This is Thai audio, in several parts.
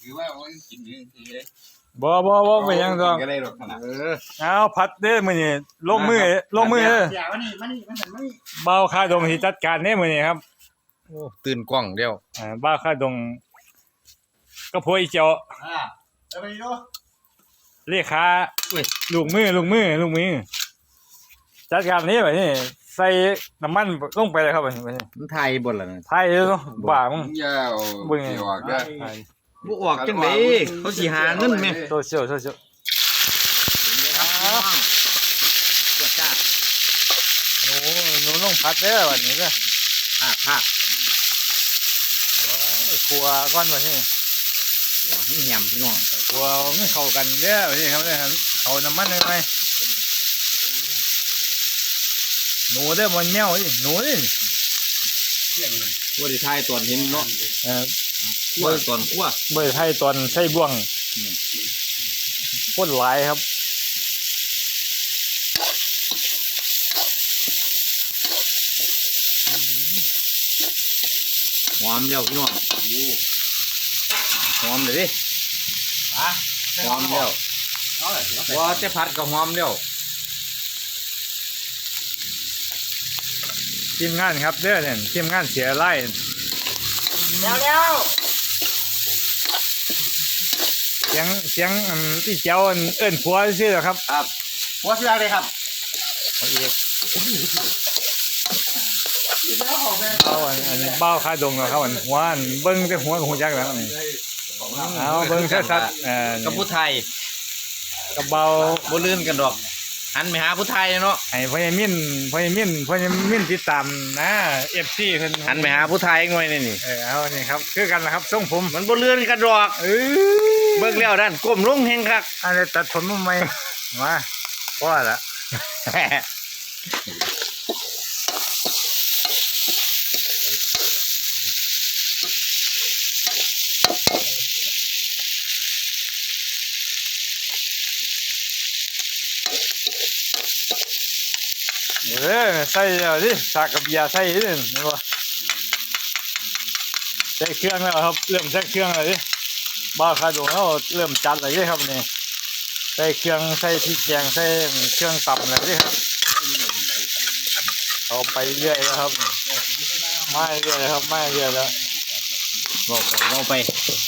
คือว่าโอ้ยกินนี่ทีเลยบ่ไปยังดอกก็ได้หรอกขนาดเอาพัดเด้อมื้อนี้ลงมืออย่ามานี่มันหันมานี่เบาค่าดงที่จัดการเด้อมื้อนี้ครับโอ้ตื่นกล้องเดียวเบาค่าดงก็พวยเจ้าเอาไปดูเลขาลูกมือจัดการนี้แบบนี้ใส่น้ำมันลงไปเลยครับแบบนี้มันไทยบ่ล่ะนะไทยเนาะบ้ามึงยาวเดี๋ยวออกได้บ่ออกจังได๋เขาสิหาเงินแม่โซเชียลครับพี่น้องจ้าหนูลงพัดเด้อวันนี้เด้อภาคครัวก้อนแบบนี้หัวให้แหมพี่น้องครัวไม่เข้ากันเด้อแบบนี้ครับเนี่ยเอาน้ำมันเลยไหมหนูเด้อมันแมวนี่หนูนี่บ่ได้ทายตอนเห็นเนาะ คั่วตอนคั่วเบอร์ไทยตอนใส่บ่วงโคตรหลายครับหอมแล้วพี่น้องหอมเลยดิหอมแล้วว่าจะผัดก็หอมแล้วทีมงานครับเด้อเนี่ยทีมงานเสียไล่แล้วเสียงที่เจ้าเอิ้นผัวซื่อๆครับครับหัวเสือเลยครับเอาอีกเอาอันนี้เบ้าคาดงเนาะครับอันหัวอันเบิ้งแต่หัวกับหัวจักแล้วนี่เอาเบิ้งชัดๆกับผู้ไทยกระเบาบ่ลื่นกันดอกหันไปหาผู้ไทยเนาะให้พ่อมินติดตามนะ FC เพิ่นหันไปหาผู้ไทยหน่อยนี่เอานี่ครับคือกันนะครับทรงผมมันบ่ลื่นกันดอก เบิ่งแล้วด้านก้มลงแฮงคักอะไรตัดผมมาใหม่มาพอละใส่เอาดิสากกับยาใส่ดิเห็นบ่ใส่เครื่องแล้วครับเริ่มใส่เครื่องแล้วดิบ้าคาดงแล้วเริ่มจัดเลยดิครับนี่ใส่เครื่องใส่พริกแกงใส่เครื่องตำเลยดิครับเอาไปเรื่อยแล้วครับไม่เรื่อยแล้วครับไม่เรื่อยแล้วเราไป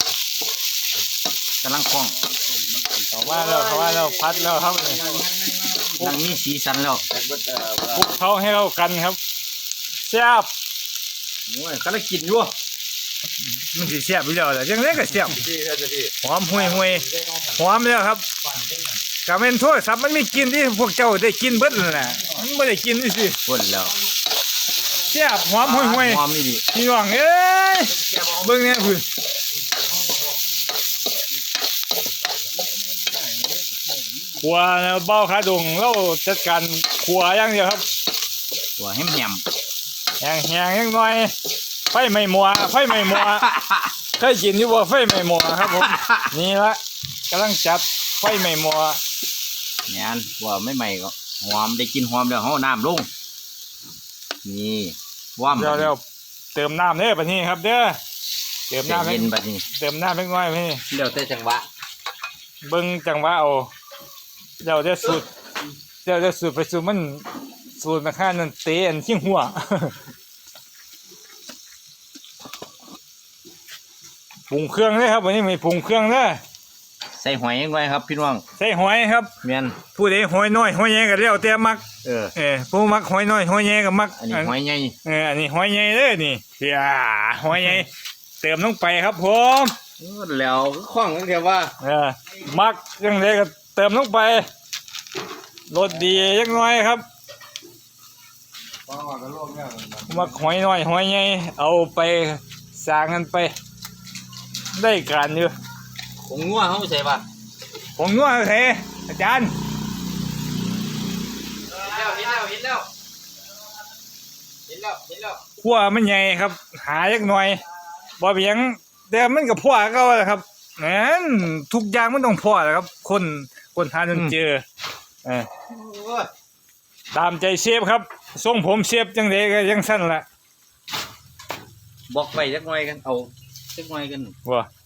กำลังคล่องเข้ามาแล้วพัดแล้วครับนี่กำลังมีสีสันแล้วคลุกเขาให้เรากันครับแซ่บโอ้ยกำลังกินอยู่มันสิแซ่บอยู่แล้วแหละจังได๋ก็แซ่บหอมห่วยหอมแล้วครับก็แม่นโทรศัพท์มันมีกลิ่นที่พวกเจ้าได้กินเบิดนั่นแหละมันบ่ได้กินซื่อพ่นแล้วแซ่บหอมห่วยหอมนี่ดิๆพี่น้องเอ้ยเบิ่งแน่พุ่นครัวแล้วเบ้าขาดงเราจัดการครัวอย่างเดียวครับหัวแหมแหงยังน้อยไฟไม่มัวเคยกินอยู่บ่ไฟไม่มัวครับผมนี่ละกำลังจัดไฟไม่มัวเนี่ยอันว่าไม่ใหม่ก็หอมได้กินหอมแล้วเฮาน้ำลงนี่ว่ามเดี๋ยวเติมน้ำเด้อบัดนี้ครับเด้อเติมน้ำเย็นบัดนี้เติมน้ำเล็กน้อยพี่เดี๋ยวแต่จังหวะเบิ่งจังหวะเอาเดี๋ยวจะสูตรไปสูตรมันสูตรมาค่านั่นเตะอันขี้หัว ปรุงเครื่องเลยครับวันนี้มีปรุงเครื่องเด้อใส่หอยยังไงครับพี่น้องใส่หอยครับแม่นผู้ใดหอยน้อยหอยใหญ่ก็แล้วแต่มักเออผู้มักหอยน้อยหอยใหญ่ก็มักอันนี้หอยใหญ่อันนี้หอยใหญ่เด้อนี่หอยใหญ่เติมลงไปครับผมแล้วคล่องตั้งแต่ว่ามักยังไงก็เติมลงไปรสดียังน้อยครับมักหอยน้อยหอยใหญ่เอาไปสร้างกันไปได้การอยู่ผมงัวเฮาใส่ป่ะผมนัวเทอาจารย์เห็นแล้วขั้วมันใหญ่ครับหาจักหน่อยบ่เพียงแต่มันก็พอก็แหละครับนั่นทุกอย่างมันต้องพอแหละครับคนทานจนเจอตามใจเชฟครับทรงผมเชฟจังไดก็ยังสั้นละบอกไปจักหน่อยกันเอาจักหน่อยกันว่า